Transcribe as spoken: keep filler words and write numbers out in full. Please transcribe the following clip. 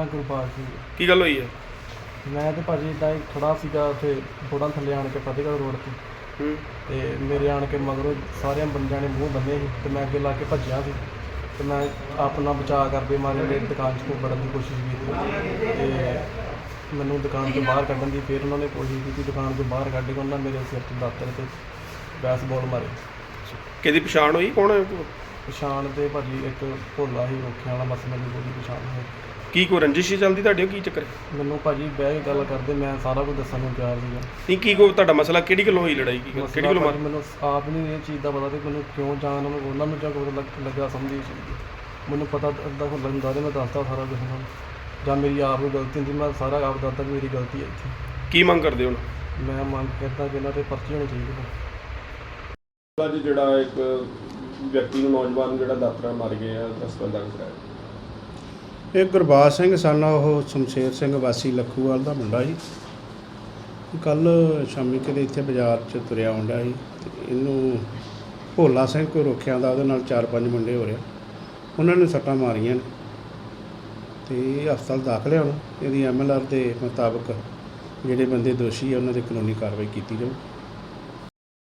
ਨਾਂ ਗੁਰਬਾਜ ਸਿੰਘ। ਕੀ ਗੱਲ ਹੋਈ ਹੈ? ਮੈਂ ਤੇ ਭਾਜੀ ਇੱਦਾਂ ਹੀ ਖੜਾ ਸੀਗਾ ਉੱਥੇ ਥੋੜ੍ਹਾ ਥੱਲੇ ਆਣ ਕੇ ਫਤਿਹਗੜ੍ਹ ਰੋਡ 'ਤੇ ਹੂੰ ਤੇ ਮੇਰੇ ਆਣ ਕੇ ਮਗਰੋਂ ਸਾਰਿਆਂ ਬੰਦਿਆਂ ਨੇ ਮੂੰਹ ਬੰਨੇ ਸੀ ਤੇ ਮੈਂ ਅੱਗੇ ਲਾ ਕੇ ਭੱਜਿਆ ਸੀ ਤੇ ਮੈਂ ਆਪਣਾ ਬਚਾਅ ਕਰਦੇ ਮਾਰੇ ਮੇਰੀ ਦੁਕਾਨ 'ਚ ਵੜਨ ਦੀ ਕੋਸ਼ਿਸ਼ ਕੀਤੀ ਤੇ ਮੈਨੂੰ ਦੁਕਾਨ ਤੋਂ ਬਾਹਰ ਕੱਢਣ ਦੀ ਫਿਰ ਉਹਨਾਂ ਨੇ ਕੋਸ਼ਿਸ਼ ਕੀਤੀ। ਦੁਕਾਨ ਤੋਂ ਬਾਹਰ ਕੱਢ ਕੇ ਉਹਨਾਂ ਮੇਰੇ ਸਿਰ 'ਚ ਦਾਤਰ ਤੇ ਬੈਸਬਾਲ ਮਾਰੇ। ਕਿਹਦੀ ਪਛਾਣ ਹੋਈ? ਕੌਣ ਹੈ? ਪਛਾਣ ਤੇ ਭਾਜੀ ਇੱਕ ਭੋਲਾ ਹੀ ਰੋਕਿਆਂ ਵਾਲਾ, ਬਸ ਮੈਨੂੰ ਉਹਦੀ ਪਛਾਣ ਹੋਈ। ਕੀ ਕੋਈ ਰੰਜਿਸ਼ ਹੀ ਚੱਲਦੀ ਤੁਹਾਡੇ? ਕੀ ਚੱਕਰ ਹੈ? ਮੈਨੂੰ ਭਾਜੀ ਬਹਿ ਕੇ ਗੱਲ ਕਰਦੇ, ਮੈਂ ਸਾਰਾ ਕੁਝ ਦੱਸਣ ਨੂੰ ਤਿਆਰ ਸੀਗਾ। ਨਹੀਂ ਕੀ ਕੋਈ ਤੁਹਾਡਾ ਮਸਲਾ ਕਿਹੜੀ ਗੱਲੋਂ ਹੋਈ ਲੜਾਈ? ਕੀ ਗੱਲ ਕਿਹੜੀ ਗੱਲੋਂ ਮਾਰ? ਮੈਨੂੰ ਆਪ ਨਹੀਂ ਇਹ ਚੀਜ਼ ਦਾ ਪਤਾ ਤੇ ਮੈਨੂੰ ਕਿਉਂ ਜਾਣ ਉਹਨੂੰ ਉਹਨਾਂ ਨੂੰ ਜਾਂ ਕੋਈ ਲੱਗ ਲੱਗਾ ਸਮਝ ਨਹੀਂ ਸੀ। ਮੈਨੂੰ ਪਤਾ ਅੱਧਾ ਹੁੰਦਾ ਹੁੰਦਾ ਤੇ ਮੈਂ ਦੱਸਦਾ ਸਾਰਾ ਕੁਝ ਉਹਨਾਂ ਨੂੰ, ਜਾਂ ਮੇਰੀ ਆਪ ਨੂੰ ਗਲਤੀ ਹੁੰਦੀ ਮੈਂ ਸਾਰਾ ਆਪ ਦੱਸਦਾ ਵੀ ਮੇਰੀ ਗਲਤੀ ਹੈ ਇੱਥੇ। ਕੀ ਮੰਗ ਕਰਦੇ ਹੁਣ? ਮੈਂ ਮੰਗ ਕਰਦਾ ਕਿ ਇਹਨਾਂ 'ਤੇ ਪਰਚੀ ਹੋਣੀ ਚਾਹੀਦੀ ਹੈ। ਅੱਜ ਜਿਹੜਾ ਇੱਕ ਵਿਅਕਤੀ ਨੂੰ ਨੌਜਵਾਨ ਜਿਹੜਾ ਦਾਤਰਾ ਮਾਰ ਗਏ ਆ ਹਸਪਤਾਲ ਦਾਖਲ ਕਰਾਇਆ। ਇਹ ਗੁਰਬਾਜ ਸਿੰਘ ਸਨ ਉਹ ਸ਼ਮਸ਼ੇਰ ਸਿੰਘ ਵਾਸੀ ਲੱਖੂਵਾਲ ਦਾ ਮੁੰਡਾ ਸੀ। ਕੱਲ੍ਹ ਸ਼ਾਮੀ ਕਿਤੇ ਇੱਥੇ ਬਾਜ਼ਾਰ 'ਚ ਤੁਰਿਆ ਆਉਂਦਾ ਸੀ ਤੇ ਇਹਨੂੰ ਭੋਲਾ ਸਿੰਘ ਕੋਈ ਰੋਕਿਆ ਦਾ, ਉਹਦੇ ਨਾਲ ਚਾਰ ਪੰਜ ਮੁੰਡੇ ਹੋ ਰਹੇ, ਉਹਨਾਂ ਨੇ ਸੱਟਾਂ ਮਾਰੀਆਂ ਨੇ ਤੇ ਇਹ ਹਸਪਤਾਲ ਦਾਖਲ ਹੈ। ਹੁਣ ਇਹਦੀ ਐਮ ਐਲ ਆਰ ਦੇ ਮੁਤਾਬਕ ਜਿਹੜੇ ਬੰਦੇ ਦੋਸ਼ੀ ਆ ਉਹਨਾਂ ਦੇ ਕਾਨੂੰਨੀ ਕਾਰਵਾਈ ਕੀਤੀ ਜਾਊ।